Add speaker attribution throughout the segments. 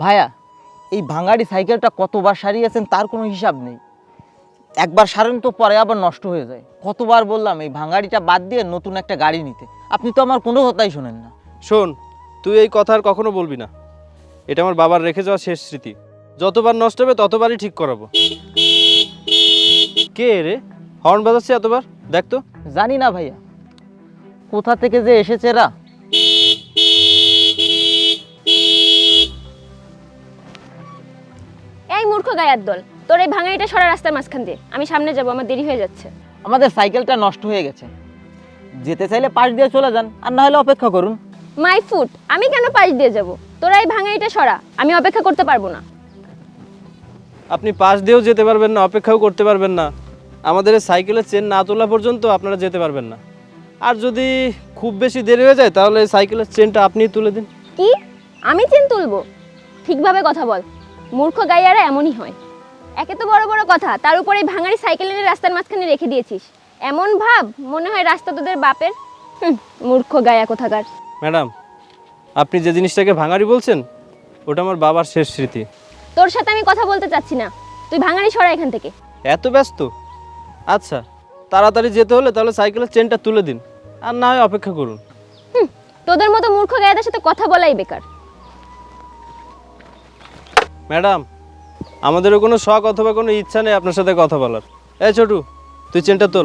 Speaker 1: ভাইয়া, এই ভাঙাড়ি সাইকেলটা কতবার সারিয়েছেন তার কোনো হিসাব নেই। একবার সারেন তো পরে আবার নষ্ট হয়ে যায়। কতবার বললাম এই ভাঙাড়িটা বাদ দিয়ে নতুন একটা গাড়ি নিতে, আপনি তো আমার কোনো কথাই শোনেন না।
Speaker 2: শোন, তুই এই কথা আর কখনো বলবি না। এটা আমার বাবার রেখে যাওয়া শেষ স্মৃতি। যতবার নষ্ট হবে ততবারই ঠিক করাবো। কে রে হর্ন বাজাচ্ছে এতবার? দেখ তো।
Speaker 1: জানি না ভাইয়া, কোথা থেকে যে এসেছে এরা।
Speaker 3: এই মূর্খ গায়ার দল, তোর এই ভাঙাইটা সরা রাস্তার মাঝখান দিয়ে, আমি সামনে যাব, আমার দেরি হয়ে যাচ্ছে।
Speaker 1: আমাদের সাইকেলটা নষ্ট হয়ে গেছে, যেতে চাইলে পাশ দিয়ে চলে যান, আর না হলে অপেক্ষা করুন।
Speaker 3: মাই ফুট, আমি কেন পাশ দিয়ে যাব? তোরা এই ভাঙাইটা সরা, আমি অপেক্ষা করতে পারবো না।
Speaker 2: আপনি পাশ দিয়েও যেতে পারবেন না, অপেক্ষাও করতে পারবেন না। আমাদের এই সাইকেলের চেন না তোলা পর্যন্ত আপনারা যেতে পারবেন না। আর যদি খুব বেশি দেরি হয়ে যায় তাহলে সাইকেলের চেনটা আপনিই তুলে দিন।
Speaker 3: কি? আমি চেন তুলবো? ঠিকভাবে কথা বল, মূর্খ গাইয়ারা এমনই হয়। একে তো বড় বড় কথা, তার উপরে এই ভাঙাড়ি সাইকেল এনে রাস্তার মাঝখানে রেখে দিয়েছিস। এমন ভাব মনে হয় রাস্তা তোদের বাপের। মূর্খ গায়া কোথাকার।
Speaker 2: ম্যাডাম, আপনি যে জিনিসটাকে ভাঙাড়ি বলছেন ওটা আমার বাবার শেষ স্মৃতি।
Speaker 3: তোর সাথে আমি কথা বলতে চাচ্ছি না, তুই ভাঙাড়ি সরা এখান থেকে।
Speaker 2: এত ব্যস্ত? আচ্ছা, তাড়াতাড়ি যেতে হলে তাহলে সাইকেলের চেনটা তুলে দিন, আর না হয় অপেক্ষা করুন।
Speaker 3: তোদের মতো মূর্খ গায়াদের সাথে কথা বলাই বেকার।
Speaker 2: ম্যাডাম, আমাদেরও কোনো শখ অথবা কোনো ইচ্ছা নেই আপনার সাথে কথা বলার। এই ছোটু, তুই চেনটা তোল।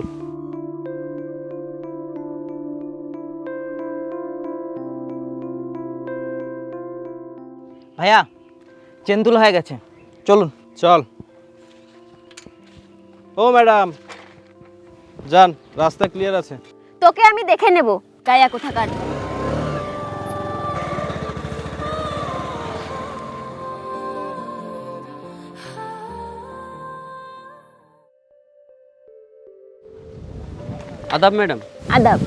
Speaker 1: ভাইয়া, চেন তোলা হয়ে গেছে, চলুন।
Speaker 2: চল। ও ম্যাডাম, যান, রাস্তা ক্লিয়ার আছে।
Speaker 3: তোকে আমি দেখে নেব, গায়া কোথাকার।
Speaker 4: আদাব ম্যাডাম।
Speaker 3: আদাব।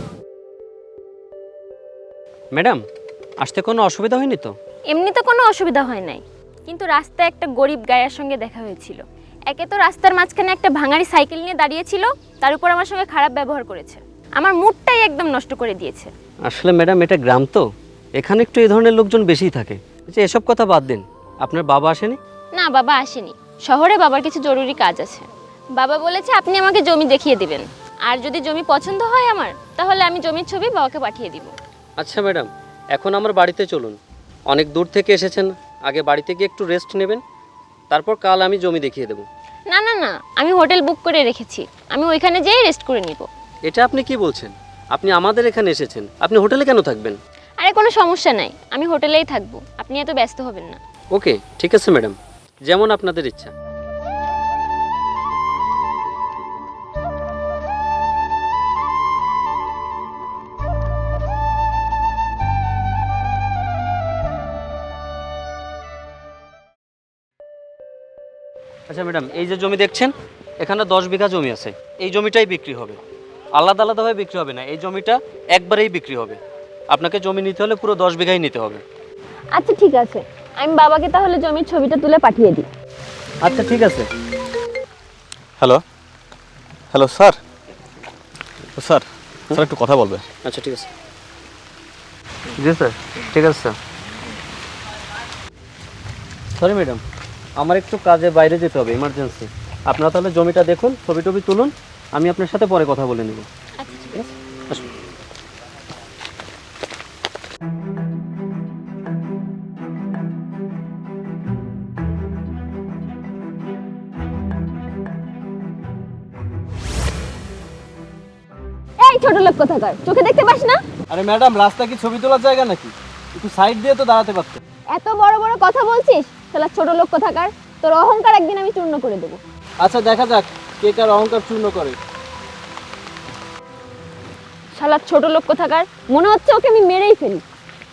Speaker 4: ম্যাডাম, আসতে কোনো অসুবিধা হয়নি তো?
Speaker 3: এমনি তো কোনো অসুবিধা হয় নাই, কিন্তু রাস্তায় একটা গরিব গায়ার সঙ্গে দেখা হয়েছিল। একে তো রাস্তার মাঝখানে একটা ভাঙাড়ি সাইকেল নিয়ে দাঁড়িয়েছিল, তার উপর আমার সঙ্গে খারাপ ব্যবহার করেছে। আমার মুডটাই একদম নষ্ট করে দিয়েছে।
Speaker 4: আসলে ম্যাডাম, এটা গ্রাম তো, এখানে একটু এই ধরনের লোকজন বেশিই থাকে। যে এসব কথা বাদ দিন, আপনার বাবা আসেনি?
Speaker 3: না, বাবা আসেনি। শহরে বাবার কিছু জরুরি কাজ আছে। বাবা বলেছে আপনি আমাকে জমি দেখিয়ে দিবেন, আর যদি জমি পছন্দ হয় আমার, তাহলে আমি জমির ছবি বাবাকে পাঠিয়ে দিব।
Speaker 4: আচ্ছা ম্যাডাম, এখন আমার বাড়িতে চলুন। অনেক দূর থেকে এসেছেন, আগে বাড়িতে গিয়ে একটু রেস্ট নেবেন, তারপর কাল আমি জমি দেখিয়ে দেবো।
Speaker 3: না না না, আমি হোটেল বুক করে রেখেছি, আমি ওইখানে যেয়ে রেস্ট করে নিব।
Speaker 4: এটা আপনি কি বলছেন? আপনি আমাদের এখানে এসেছেন, আপনি হোটেলে কেন থাকবেন?
Speaker 3: আরে কোনো সমস্যা নাই, আমি হোটেলেই থাকবো, আপনি এত ব্যস্ত হবেন না।
Speaker 4: ওকে, ঠিক আছে ম্যাডাম, যেমন আপনাদের ইচ্ছা। আচ্ছা ম্যাডাম, এই যে জমি দেখছেন, এখানে 10 বিঘা জমি আছে। এই জমিটাই বিক্রি হবে, আলাদা আলাদাভাবে বিক্রি হবে না। এই জমিটা একবারেই বিক্রি হবে। আপনাকে জমি নিতে হলে পুরো 10 বিঘাই নিতে হবে।
Speaker 3: আচ্ছা ঠিক আছে, আমি বাবাকে তাহলে জমির ছবিটা তুলে পাঠিয়ে দিই।
Speaker 4: আচ্ছা ঠিক আছে।
Speaker 5: Hello, hello sir. Sir, sir একটু কথা বলবে।
Speaker 4: আচ্ছা ঠিক আছে। জি স্যার, ঠিক আছে স্যার। সরি ম্যাডাম, আমার একটু কাজে বাইরে যেতে হবে, ইমার্জেন্সি। আপনারা তাহলে জমিটা দেখুন, ছবি টবি তুলুন, আমি আপনার সাথে পরে কথা বলে নেব।
Speaker 3: আচ্ছা ঠিক আছে।
Speaker 4: আসুন।
Speaker 3: এই ছোট লোক কোথাকার, চোখে দেখতে পাস না?
Speaker 2: আরে ম্যাডাম, রাস্তা কি ছবি তোলার জায়গা নাকি? একটু সাইড দিয়ে তো দাঁড়াতে পারতেন।
Speaker 3: এত বড় বড় কথা বলছিস, শালা ছোট লোক কোথাকার। তোর অহংকার একদিন আমি চূর্ণ করে দেবো।
Speaker 2: আচ্ছা, দেখা যাক কে কার অহংকার চূর্ণ করে।
Speaker 3: শালা ছোট লোক কোথাকার, মনে হচ্ছে ওকে আমি মেরেই ফেলি।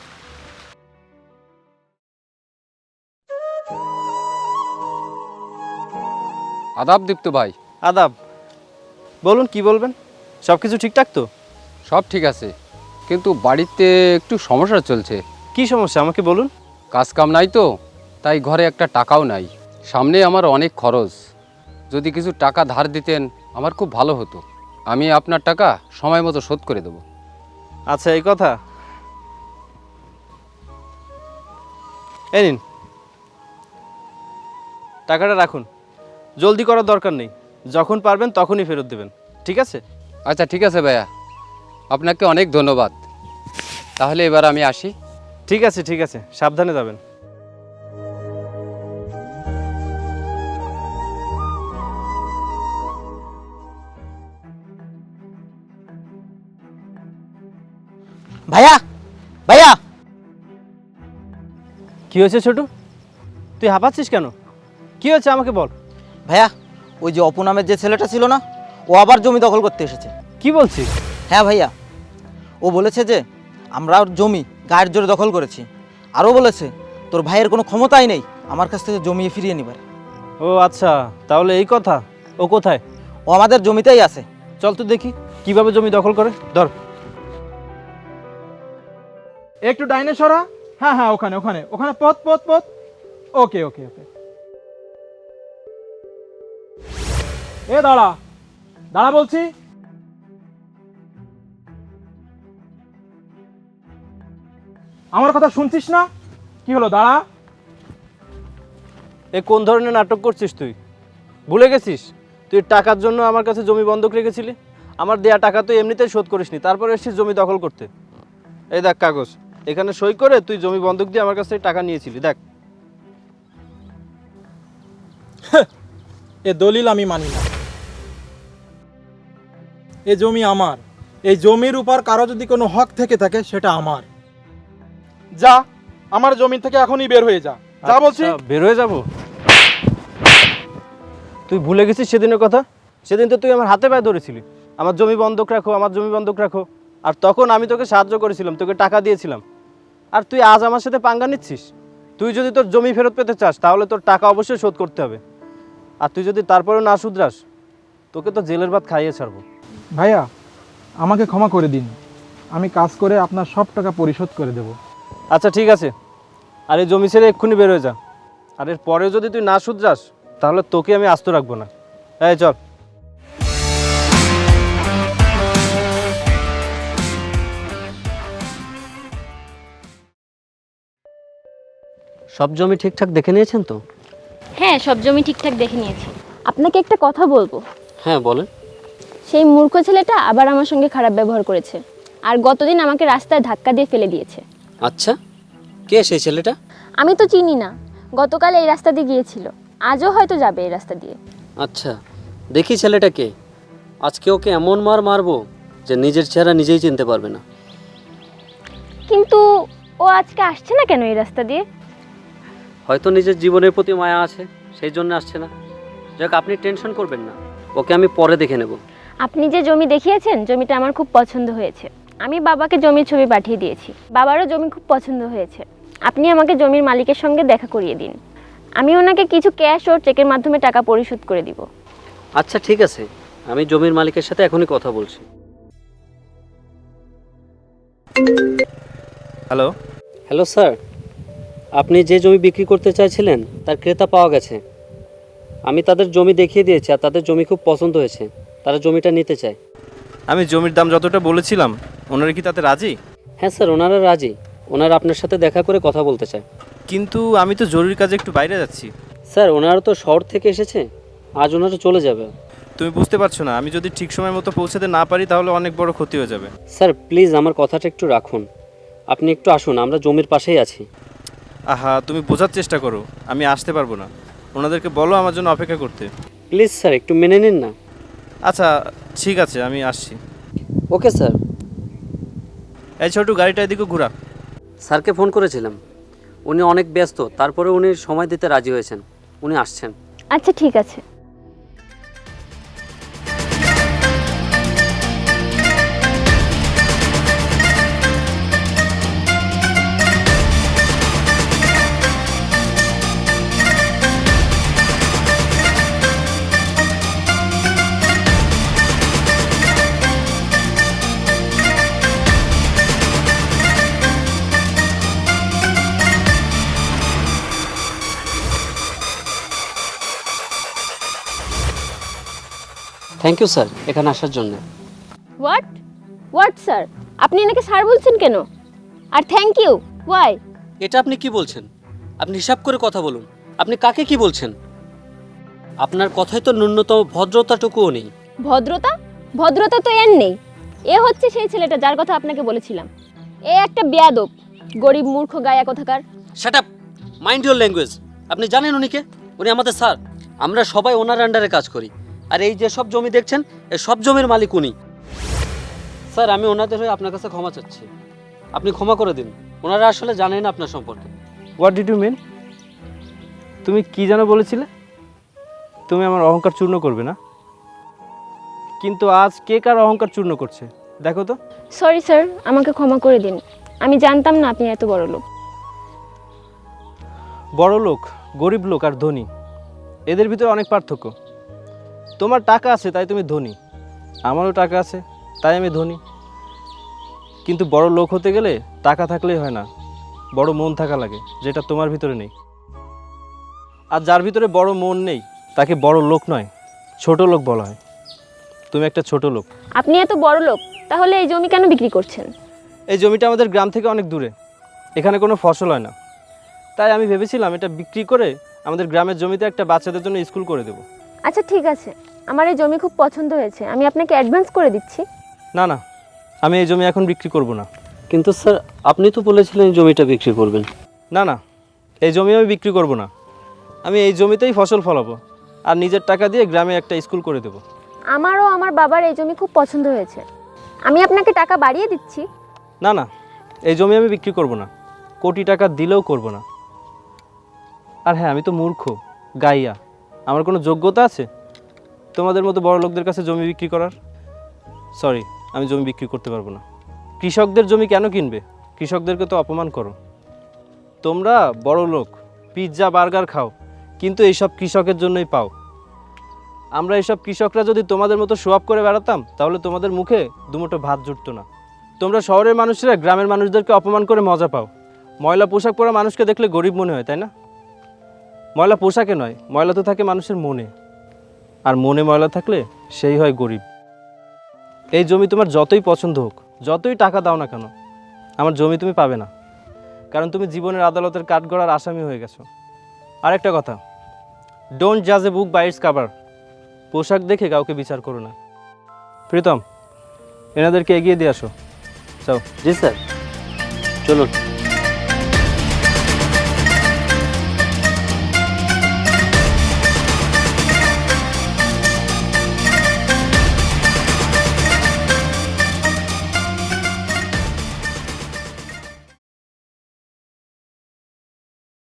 Speaker 6: আদাব দীপ্ত ভাই।
Speaker 2: আদাব। বলুন, কি বলবেন? সব কিছু ঠিকঠাক তো?
Speaker 6: সব ঠিক আছে, কিন্তু বাড়িতে একটু সমস্যা চলছে।
Speaker 2: কি সমস্যা আমাকে বলুন।
Speaker 6: কাজ কাম নাই তো, তাই ঘরে একটা টাকাও নাই। সামনে আমার অনেক খরচ, যদি কিছু টাকা ধার দিতেন আমার খুব ভালো হতো। আমি আপনার টাকা সময় মতো শোধ করে দেবো।
Speaker 2: আচ্ছা, এই কথা। এই নিন, টাকাটা রাখুন, জলদি করার দরকার নেই, যখন পারবেন তখনই ফেরত দেবেন, ঠিক আছে?
Speaker 6: আচ্ছা ঠিক আছে ভাইয়া, আপনাকে অনেক ধন্যবাদ। তাহলে এবার আমি আসি।
Speaker 2: ঠিক আছে, ঠিক আছে, সাবধানে যাবেন।
Speaker 1: ভাইয়া, ভাইয়া,
Speaker 2: কি হয়েছে ছোটু? তুই হাঁপাচ্ছিস কেন? কি হয়েছে আমাকে বল।
Speaker 1: ভাইয়া, ওই যে অপু নামের যে ছেলেটা ছিল না, ও আবার জমি দখল করতে এসেছে।
Speaker 2: কি বলছিস?
Speaker 1: হ্যাঁ ভাইয়া, ও বলেছে যে আমরা ওর জমি গায়ের জোরে দখল করেছি। আরও বলেছে তোর ভাইয়ের কোনো ক্ষমতাই নেই আমার কাছ থেকে জমি ফিরিয়ে নিবার।
Speaker 2: ও আচ্ছা, তাহলে এই কথা। ও কোথায়?
Speaker 1: ও আমাদের জমিতেই আছে।
Speaker 2: চল তো দেখি কিভাবে জমি দখল করে। ধর।
Speaker 7: একটু ডাইনে সরা। হ্যাঁ হ্যাঁ, ওখানে ওখানে ওখানে, পথ পথ পথ। ওকে ওকে ওকে। এ দাঁড়া, দাঁড়া বলছি। আমার কথা শুনছিস না? কি হলো, দাঁড়া।
Speaker 2: এ কোন ধরনের নাটক করছিস তুই? ভুলে গেছিস তুই টাকার জন্য আমার কাছে জমি বন্ধক রেখেছিলি? আমার দেয়া টাকা তুই এমনিতেই শোধ করিসনি, তারপরে এসেছিস জমি দখল করতে। এই দেখ কাগজ, এখানে সই করে তুই জমি বন্ধক দিয়ে আমার কাছ থেকে টাকা নিয়েছিলি। দেখ।
Speaker 7: এ দলিল আমি মানি না। এ জমি আমার। এই জমির উপর কারো যদি কোনো হক থেকে থাকে সেটা আমার। যা, আমার জমি থেকে এখনই বের হয়ে যা। যা বলছি।
Speaker 2: আচ্ছা, বের হয়ে যাব? তুই ভুলে গেছিস সেদিনের কথা? সেদিন তো তুই আমার হাতে পায়ে ধরেছিলি, আমার জমি বন্ধক রাখো, আমার জমি বন্ধক রাখো। আর তখন আমি তোকে সাহায্য করেছিলাম, তোকে টাকা দিয়েছিলাম। আর তুই আজ আমার সাথে পাঙ্গা নিচ্ছিস? তুই যদি তোর জমি ফেরত পেতে চাস তাহলে তোর টাকা অবশ্যই শোধ করতে হবে। আর তুই যদি তারপরেও না শুধরাস, তোকে তো জেলের ভাত খাইয়ে ছাড়বো।
Speaker 7: ভাইয়া, আমাকে ক্ষমা করে দিন। আমি কাজ করে আপনার সব টাকা পরিশোধ করে দেব।
Speaker 2: আচ্ছা ঠিক আছে, আর এই জমি ছেড়ে এক্ষুনি বের হয়ে যা। আর এর পরেও যদি তুই না শুধরাস তাহলে তোকে আমি আস্ত রাখবো না। এই চল।
Speaker 4: সব জমি ঠিকঠাক দেখে নিয়েছেন তো?
Speaker 3: হ্যাঁ, সব জমি ঠিকঠাক দেখে নিয়েছি। আপনাকে একটা কথা বলবো।
Speaker 4: হ্যাঁ বলেন।
Speaker 3: সেই মূর্খ ছেলেটা আবার আমার সঙ্গে খারাপ ব্যবহার করেছে, আর গতদিন আমাকে রাস্তায় ধাক্কা দিয়ে ফেলে দিয়েছে।
Speaker 4: আচ্ছা, কে সেই ছেলেটা?
Speaker 3: আমি তো চিনি না, গতকাল এই রাস্তা দিয়ে গিয়েছিল, আজও হয়তো যাবে এই রাস্তা দিয়ে।
Speaker 4: আচ্ছা, দেখি ছেলেটাকে। আজকে ওকে এমন মার মারবো যে নিজের চেহারা নিজেই চিনতে পারবে না।
Speaker 3: কিন্তু ও আজকে আসছে না কেন এই রাস্তা দিয়ে?
Speaker 4: হয়তো নিজের জীবনের প্রতি মায়া আছে, সেই জন্য আসছে না। যাক, আপনি টেনশন করবেন না, ওকে আমি পরে দেখে নেব।
Speaker 3: আপনি যে জমি দেখিয়েছেন, জমিটা আমার খুব পছন্দ হয়েছে। আমি বাবাকে জমির ছবি পাঠিয়ে দিয়েছি, বাবারও জমি খুব পছন্দ হয়েছে। আপনি আমাকে জমির মালিকের সঙ্গে দেখা করিয়ে দিন, আমি ওনাকে কিছু ক্যাশ ও চেকের মাধ্যমে টাকা পরিশোধ করে দিব।
Speaker 4: আচ্ছা ঠিক আছে, আমি জমির মালিকের সাথে এখনই কথা বলছি।
Speaker 2: হ্যালো।
Speaker 4: হ্যালো স্যার, আপনি যে জমি বিক্রি করতে চাইছিলেন তার ক্রেতা পাওয়া গেছে। আমি তাদের জমি দেখিয়ে দিয়েছি, আর তাদের জমি খুব পছন্দ হয়েছে, তারা জমিটা নিতে চায়।
Speaker 2: আমি জমির দাম যতটা বলেছিলাম, ওনারা কি তাতে রাজি?
Speaker 4: হ্যাঁ স্যার, ওনারা রাজি। ওনারা আপনার সাথে দেখা করে কথা বলতে চায়।
Speaker 2: কিন্তু আমি তো জরুরি কাজে একটু বাইরে যাচ্ছি।
Speaker 4: স্যার, ওনারা তো শহর থেকে এসেছে, আজ ওনারা চলে যাবে।
Speaker 2: তুমি বুঝতে পারছো না, আমি যদি ঠিক সময় মতো পৌঁছাতে না পারি তাহলে অনেক বড় ক্ষতি হয়ে যাবে।
Speaker 4: স্যার প্লিজ আমার কথাটা একটু রাখুন, আপনি একটু আসুন, আমরা জমির পাশেই আছি।
Speaker 2: আহা, তুমি বোঝার চেষ্টা করো, আমি আসতে পারবো না। ওনাদেরকে বলো আমার জন্য অপেক্ষা করতে।
Speaker 4: প্লিজ স্যার, একটু মেনে নিন না।
Speaker 2: আচ্ছা ঠিক আছে, আমি আসছি।
Speaker 4: Okay sir.
Speaker 2: এই ছোটু, গাড়িটা এদিকে ঘোরা।
Speaker 4: স্যারকে ফোন করেছিলাম, উনি অনেক ব্যস্ত, তারপরে উনি সময় দিতে রাজি হয়েছেন, উনি আসছেন।
Speaker 3: আচ্ছা ঠিক আছে।
Speaker 4: থ্যাংক ইউ স্যার এখানে আসার জন্য।
Speaker 3: হোয়াট হোয়াট স্যার, আপনি এনাকে স্যার বলছেন কেন? আর থ্যাংক ইউ ওয়াই?
Speaker 4: এটা আপনি কি বলছেন? আপনি হিসাব করে কথা বলুন, আপনি কাকে কি বলছেন? আপনার কথায় তো ন্যূনতম ভদ্রতাটুকুও নেই।
Speaker 3: ভদ্রতা? ভদ্রতা তো এর নেই। এ হচ্ছে সেই ছেলেটা যার কথা আপনাকে বলেছিলাম। এ একটা বেয়াদব, গরিব মূর্খ গায়া কোথাকার।
Speaker 4: Shut up, mind your language. আপনি জানেন উনিকে? উনি আমাদের স্যার। আমরা সবাই ওনার আন্ডারে কাজ করি। আর এই যে সব জমি দেখছেন, এই সব জমির মালিক উনি। স্যার, আমি ওনাদের হয়ে আপনার কাছে ক্ষমা চাচ্ছি। আপনি ক্ষমা করে দিন। ওনারা আসলে জানেন না আপনার সম্পর্কে।
Speaker 2: What did you mean? তুমি কি যেন বলেছিলে? তুমি আমার অহংকার চূর্ণ করবে না? কিন্তু আজ কে কার অহংকার চূর্ণ করছে দেখো তো।
Speaker 3: সরি স্যার, আমাকে ক্ষমা করে দিন। আমি জানতাম না আপনি এত বড় লোক।
Speaker 2: বড় লোক, গরিব লোক আর ধনী, এদের ভিতরে অনেক পার্থক্য। তোমার টাকা আছে তাই তুমি ধনী, আমারও টাকা আছে তাই আমি ধনী। কিন্তু বড় লোক হতে গেলে টাকা থাকলেই হয় না, বড় মন থাকা লাগে, যেটা তোমার ভিতরে নেই। আর যার ভিতরে বড় মন নেই তাকে বড় লোক নয়, ছোট লোক বলা হয়। তুমি একটা ছোট লোক।
Speaker 3: আপনি এত বড় লোক, তাহলে এই জমি কেন বিক্রি করছেন?
Speaker 2: এই জমিটা আমাদের গ্রাম থেকে অনেক দূরে, এখানে কোনো ফসল হয় না, তাই আমি ভেবেছিলাম এটা বিক্রি করে আমাদের গ্রামের জমিতে একটা বাচ্চাদের জন্য স্কুল করে দেবো।
Speaker 3: আচ্ছা ঠিক আছে, আমার এই জমি খুব পছন্দ হয়েছে, আমি আপনাকে অ্যাডভান্স করে দিচ্ছি।
Speaker 2: না না, আমি এই জমি এখন বিক্রি করব না।
Speaker 4: কিন্তু স্যার, আপনি তো বলেছিলেন এই জমিটা বিক্রি করবেন।
Speaker 2: না না, এই জমি আমি বিক্রি করব না। আমি এই জমিতেই ফসল ফলাবো আর নিজের টাকা দিয়ে গ্রামে একটা স্কুল করে দেবো।
Speaker 3: আমারও আমার বাবার এই জমি খুব পছন্দ হয়েছে, আমি আপনাকে টাকা বাড়িয়ে দিচ্ছি।
Speaker 2: না না, এই জমি আমি বিক্রি করব না, কোটি টাকা দিলেও করব না। আর হ্যাঁ, আমি তো মূর্খ গাইয়া, আমার কোনো যোগ্যতা আছে তোমাদের মতো বড় লোকদের কাছে জমি বিক্রি করার? সরি, আমি জমি বিক্রি করতে পারবো না। কৃষকদের জমি কেন কিনবে? কৃষকদেরকে তো অপমান করো। তোমরা বড় লোক, পিৎজা বার্গার খাও, কিন্তু এইসব কৃষকের জন্যই পাও। আমরা এইসব কৃষকরা যদি তোমাদের মতো শো আপ করে বেড়াতাম তাহলে তোমাদের মুখে দুমুঠো ভাত জুটতো না। তোমরা শহরের মানুষরা গ্রামের মানুষদেরকে অপমান করে মজা পাও। ময়লা পোশাক পরা মানুষকে দেখলে গরিব মনে হয়, তাই না? ময়লা পোশাকে নয়, ময়লা তো থাকে মানুষের মনে, আর মনে ময়লা থাকলে সেই হয় গরিব। এই জমি তোমার যতই পছন্দ হোক, যতই টাকা দাও না কেন, আমার জমি তুমি পাবে না, কারণ তুমি জীবনের আদালতের কাঠগড়ার আসামি হয়ে গেছো। আরেকটা কথা, ডোন্ট জাজ a book by its cover. পোশাক দেখে কাউকে বিচার করো না। প্রীতম, এনাদেরকে এগিয়ে দিয়ে আসো। যাও।
Speaker 4: জি স্যার, চলুন।